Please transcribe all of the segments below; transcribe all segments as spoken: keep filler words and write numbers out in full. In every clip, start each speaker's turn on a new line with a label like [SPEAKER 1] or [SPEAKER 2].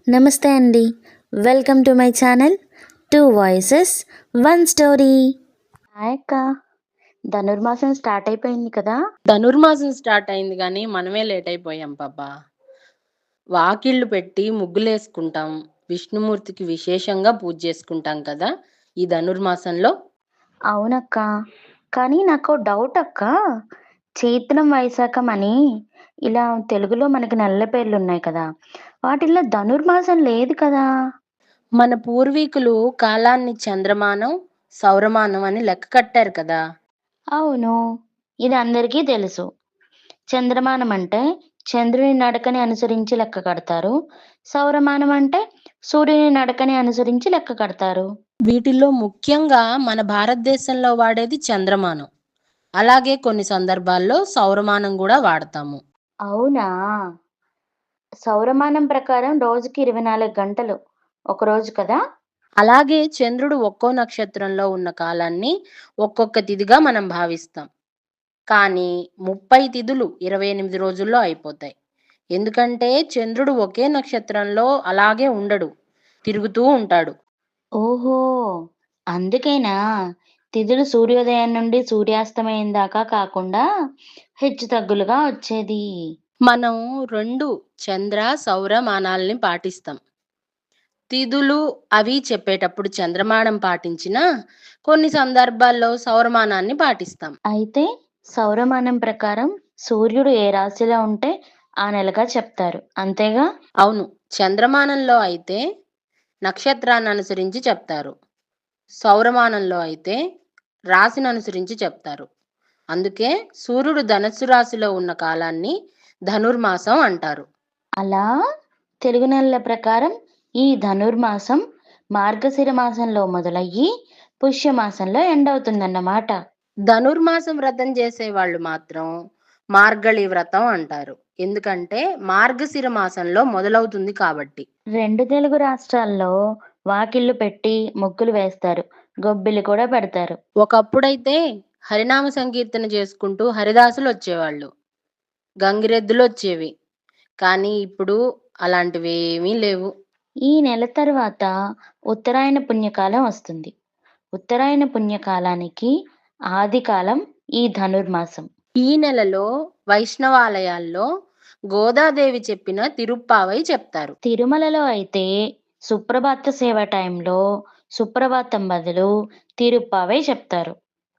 [SPEAKER 1] నమస్తే అండి. Welcome to my channel two voices one story. Hi అక్క, ధనుర్మాసం స్టార్ట్ అయిపోయింది కదా.
[SPEAKER 2] ధనుర్మాసం స్టార్ట్ అయింది కానీ మనమే లేట్ అయిపోయాం పాపా. వాకిళ్ళు పెట్టి ముగ్గులేసుకుంటాం, విష్ణుమూర్తికి విశేషంగా పూజ చేసుకుంటాం కదా ఈ ధనుర్మాసంలో.
[SPEAKER 1] అవునక్క, కానీ నాకు డౌట్ అక్క. చైత్రం వైశాఖం అని ఇలా తెలుగులో మనకి నెలల పేర్లు ఉన్నాయి కదా, వాటిల్లో ధనుర్మాసం లేదు కదా.
[SPEAKER 2] మన పూర్వీకులు కాలాన్ని చంద్రమానం, సౌరమానం అని లెక్క కట్టారు కదా.
[SPEAKER 1] అవును, ఇది అందరికీ తెలుసు. చంద్రమానం అంటే చంద్రుని నడకని అనుసరించి లెక్క కడతారు. సౌరమానం అంటే సూర్యుని నడకని అనుసరించి లెక్క కడతారు.
[SPEAKER 2] వీటిల్లో ముఖ్యంగా మన భారతదేశంలో వాడేది చంద్రమానం. అలాగే కొన్ని సందర్భాల్లో సౌరమానం కూడా వాడతాము.
[SPEAKER 1] అవునా, సౌరమానం ప్రకారం రోజుకి ఇరవై నాలుగు గంటలు ఒక రోజు కదా.
[SPEAKER 2] అలాగే చంద్రుడు ఒక్కో నక్షత్రంలో ఉన్న కాలాన్ని ఒక్కొక్క తిథిగా మనం భావిస్తాం. కానీ ముప్పై తిథులు ఇరవై ఎనిమిది రోజుల్లో అయిపోతాయి. ఎందుకంటే చంద్రుడు ఒకే నక్షత్రంలో అలాగే ఉండడు, తిరుగుతూ ఉంటాడు.
[SPEAKER 1] ఓహో, అందుకేనా తిథులు సూర్యోదయం నుండి సూర్యాస్తమయం దాకా కాకుండా హెచ్చు తగ్గులుగా వచ్చేది.
[SPEAKER 2] మనం రెండు చంద్ర సౌరమానాల్ని పాటిస్తాం. తిథులు అవి చెప్పేటప్పుడు చంద్రమానం పాటించినా కొన్ని సందర్భాల్లో సౌరమానాన్ని పాటిస్తాం.
[SPEAKER 1] అయితే సౌరమానం ప్రకారం సూర్యుడు ఏ రాశిలో ఉంటే ఆ నెలగా చెప్తారు, అంతేగా.
[SPEAKER 2] అవును, చంద్రమానంలో అయితే నక్షత్రాన్ని అనుసరించి చెప్తారు, సౌరమానంలో అయితే రాశిని అనుసరించి చెప్తారు. అందుకే సూర్యుడు ధనస్సు రాశిలో ఉన్న కాలాన్ని ధనుర్మాసం అంటారు.
[SPEAKER 1] అలా తెలుగు నెలల ప్రకారం ఈ ధనుర్మాసం మార్గశిర మాసంలో మొదలయ్యి పుష్యమాసంలో ఎండవుతుందన్నమాట.
[SPEAKER 2] ధనుర్మాసం వ్రతం చేసే వాళ్ళు మాత్రం మార్గళి వ్రతం అంటారు. ఎందుకంటే మార్గశిర మాసంలో మొదలవుతుంది కాబట్టి.
[SPEAKER 1] రెండు తెలుగు రాష్ట్రాల్లో వాకిళ్ళు పెట్టి ముగ్గులు వేస్తారు, గొబ్బిలు కూడా పెడతారు.
[SPEAKER 2] ఒకప్పుడైతే హరినామ సంకీర్తన చేసుకుంటూ హరిదాసులు వచ్చేవాళ్ళు, గంగిరెద్దులు వచ్చేవి. కానీ ఇప్పుడు అలాంటివి ఏమీ లేవు.
[SPEAKER 1] ఈ నెల తర్వాత ఉత్తరాయణ పుణ్యకాలం వస్తుంది. ఉత్తరాయణ పుణ్యకాలానికి ఆదికాలం ఈ ధనుర్మాసం.
[SPEAKER 2] ఈ నెలలో వైష్ణవాలయాల్లో గోదాదేవి చెప్పిన తిరుప్పావై చెప్తారు.
[SPEAKER 1] తిరుమలలో అయితే సుప్రభాత సేవ టైంలో సుప్రభాతం బదులు తిరుప్పావై చెప్తారు.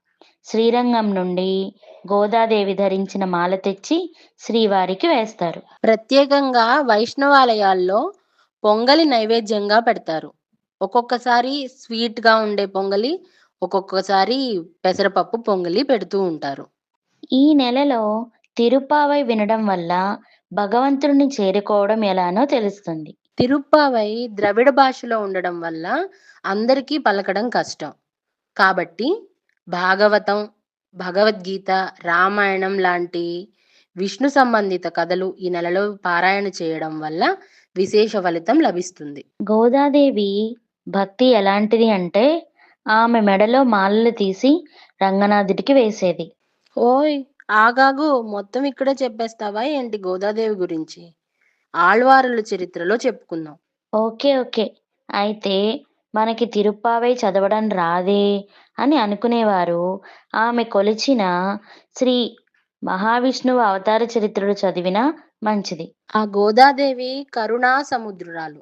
[SPEAKER 1] శ్రీరంగం నుండి గోదాదేవి ధరించిన మాల తెచ్చి శ్రీవారికి వేస్తారు.
[SPEAKER 2] ప్రత్యేకంగా వైష్ణవాలయాల్లో పొంగలి నైవేద్యంగా పెడతారు. ఒక్కొక్కసారి స్వీట్గా ఉండే పొంగలి, ఒక్కొక్కసారి పెసరపప్పు పొంగలి పెడుతూ ఉంటారు.
[SPEAKER 1] ఈ నెలలో తిరుప్పావై వినడం వల్ల భగవంతుడిని చేరుకోవడం ఎలానో తెలుస్తుంది.
[SPEAKER 2] తిరుప్పావై ద్రవిడ భాషలో ఉండడం వల్ల అందరికీ పలకడం కష్టం. కాబట్టి భాగవతం, భగవద్గీత, రామాయణం లాంటి విష్ణు సంబంధిత కథలు ఈ నెలలో పారాయణ చేయడం వల్ల విశేష ఫలితం లభిస్తుంది.
[SPEAKER 1] గోదాదేవి భక్తి ఎలాంటిది అంటే ఆమె మెడలో మాలలు తీసి రంగనాథుడికి వేసేది.
[SPEAKER 2] ఓయ్ ఆగాగు, మొత్తం ఇక్కడే చెప్పేస్తావా ఏంటి గోదాదేవి గురించి? ఆళ్వారుల చరిత్రలో చెప్పుకుందాం.
[SPEAKER 1] ఓకే ఓకే, అయితే మనకి తిరుప్పావై చదవడం రాదే అని అనుకునేవారు ఆమె కొలిచిన శ్రీ మహావిష్ణువు అవతార చరిత్రలు చదివినా మంచిది.
[SPEAKER 2] ఆ గోదాదేవి కరుణా సముద్రురాలు.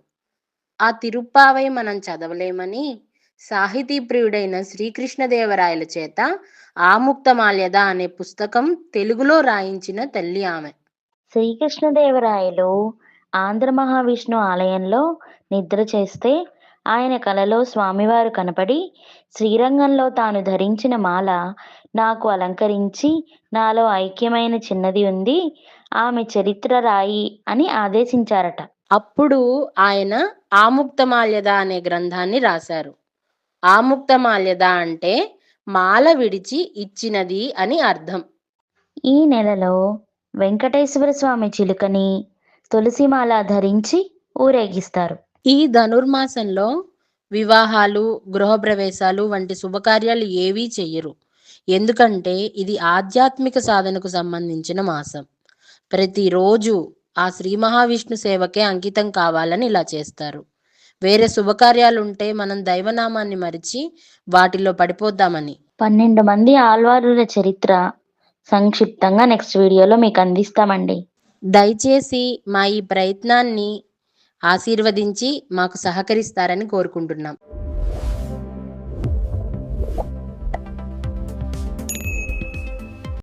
[SPEAKER 2] ఆ తిరుప్పావై మనం చదవలేమని సాహితీ ప్రియుడైన శ్రీకృష్ణదేవరాయల చేత ఆముక్తమాల్యద అనే పుస్తకం తెలుగులో రాయించిన తల్లి ఆమె.
[SPEAKER 1] శ్రీకృష్ణదేవరాయలు ఆంధ్ర మహావిష్ణు ఆలయంలో నిద్ర చేస్తే ఆయన కలలో స్వామివారు కనపడి శ్రీరంగంలో తాను ధరించిన మాల నాకు అలంకరించి నాలో ఐక్యమైన చిన్నది ఉంది, ఆమె చరిత్ర రాయి అని ఆదేశించారట.
[SPEAKER 2] అప్పుడు ఆయన ఆముక్తమాల్యద అనే గ్రంథాన్ని రాశారు. ఆముక్తమాల్యద అంటే మాల విడిచి ఇచ్చినది అని అర్థం.
[SPEAKER 1] ఈ నెలలో వెంకటేశ్వర స్వామి చిలుకని తులసిమాల ధరించి ఊరేగిస్తారు.
[SPEAKER 2] ఈ ధనుర్మాసంలో వివాహాలు, గృహప్రవేశాలు వంటి శుభకార్యాలు ఏవీ చెయ్యరు. ఎందుకంటే ఇది ఆధ్యాత్మిక సాధనకు సంబంధించిన మాసం. ప్రతిరోజు ఆ శ్రీ మహావిష్ణు సేవకే అంకితం కావాలని ఇలా చేస్తారు. వేరే శుభకార్యాలుంటే మనం దైవనామాన్ని మరిచి వాటిలో పడిపోద్దామని.
[SPEAKER 1] పన్నెండు మంది ఆళ్వారుల చరిత్ర సంక్షిప్తంగా నెక్స్ట్ వీడియోలో మీకు అందిస్తామండి.
[SPEAKER 2] దయచేసి మా ఈ ప్రయత్నాన్ని ఆశీర్వదించి మాకు సహకరిస్తారని కోరుకుంటున్నాం.